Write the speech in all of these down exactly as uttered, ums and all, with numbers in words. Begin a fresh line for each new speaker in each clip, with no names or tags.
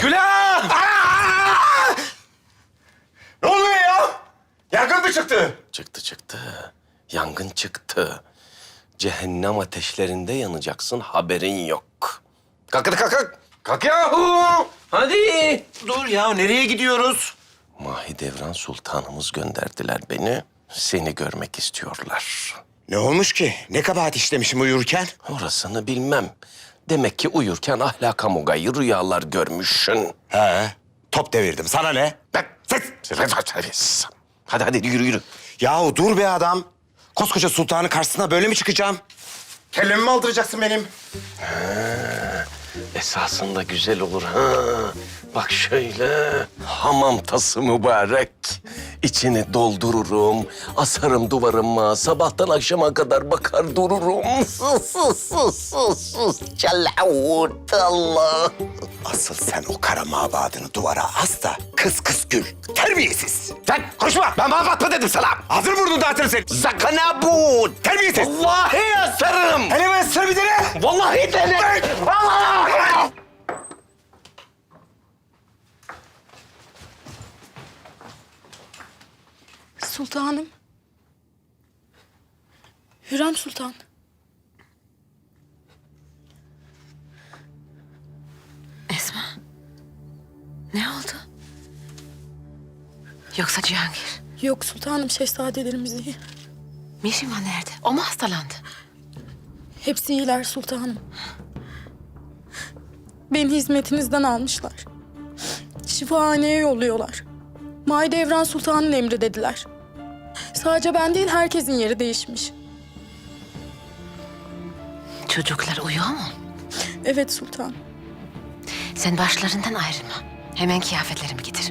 Gülah! Aa! Ne oluyor ya? Yangın mı çıktı?
Çıktı çıktı. Yangın çıktı. Cehennem ateşlerinde yanacaksın, haberin yok. Kalk hadi kalk kalk. Kalk yahu. Hadi.
Dur ya, nereye gidiyoruz?
Mahidevran Sultanımız gönderdiler beni. Seni görmek istiyorlar.
Ne olmuş ki? Ne kabahat işlemişim uyurken?
Orasını bilmem. Demek ki uyurken ahlaka mugayir rüyalar görmüşsün.
He, top devirdim. Sana ne?
Ben, ses. Hadi hadi yürü yürü.
Yahu dur be adam. Koskoca sultanın karşısına böyle mi çıkacağım? Kellemi mi aldıracaksın benim?
Esasında güzel olur ha. Bak şöyle, hamam tası mübarek. İçini doldururum, asarım duvarıma. Sabahtan akşama kadar bakar dururum. Sus, sus, sus, sus, sus. Çalavut Allah.
Asıl sen o kara mabadını duvara as da kıs kıs gül. Terbiyesiz. Sen konuşma. Ben mabat mı dedim sana? Hazır vurdun dağıtırım seni.
Zakana bu.
Terbiyesiz.
Vallahi asarım.
Hele ben sır bir dene.
Vallahi dene. Vallahi.
Sultanım. Hürrem Sultan.
Esma. Ne oldu? Yoksa Cihangir?
Yok sultanım, şehzadelerimiz iyi.
Mişima nerede? O mu hastalandı?
Hepsi iyiler sultanım. Beni hizmetinizden almışlar. Şifahaneye yolluyorlar. Mahidevran Sultan'ın emri dediler. Sadece ben değil, herkesin yeri değişmiş.
Çocuklar uyuyor mu?
Evet sultan.
Sen başlarından ayrılma. Hemen kıyafetlerimi getir.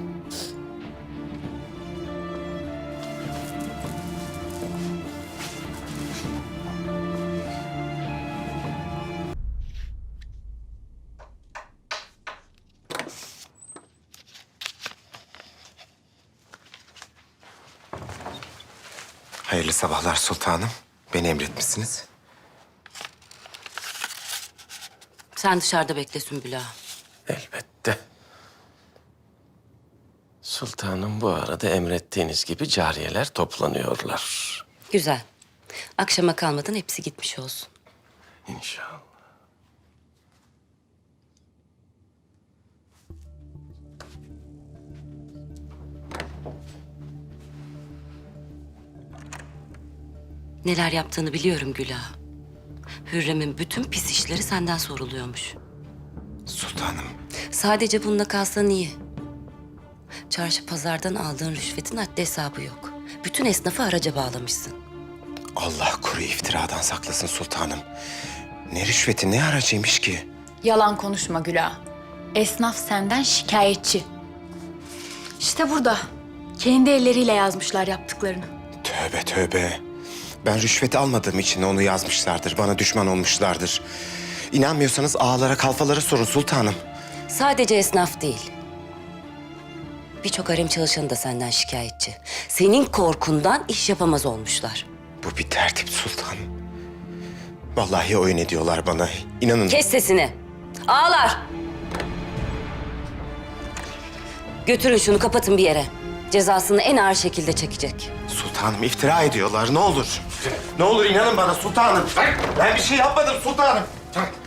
Hayırlı sabahlar sultanım. Beni emretmişsiniz.
Sen dışarıda bekle Sümbül Ağa.
Elbette. Sultanım bu arada emrettiğiniz gibi cariyeler toplanıyorlar.
Güzel. Akşama kalmadan hepsi gitmiş olsun.
İnşallah.
Neler yaptığını biliyorum Gül Ağa. Hürrem'in bütün pis işleri senden soruluyormuş.
Sultanım.
Sadece bununla kalsan iyi. Çarşı pazardan aldığın rüşvetin haddi hesabı yok. Bütün esnafı haraca bağlamışsın.
Allah kuru iftiradan saklasın sultanım. Ne rüşveti ne haracıymış ki?
Yalan konuşma Güla. Esnaf senden şikayetçi. İşte burada. Kendi elleriyle yazmışlar yaptıklarını.
Tövbe tövbe. Ben rüşvet almadığım için onu yazmışlardır. Bana düşman olmuşlardır. İnanmıyorsanız ağalara kalfalara sorun sultanım.
Sadece esnaf değil. Birçok harem çalışanı da senden şikayetçi. Senin korkundan iş yapamaz olmuşlar.
Bu bir tertip sultanım. Vallahi oyun ediyorlar bana. İnanın.
Kes sesini. Ağlar. Götürün şunu, kapatın bir yere. Cezasını en ağır şekilde çekecek.
Sultanım iftira ediyorlar ne olur. Ne olur inanın bana sultanım. Ben bir şey yapmadım sultanım.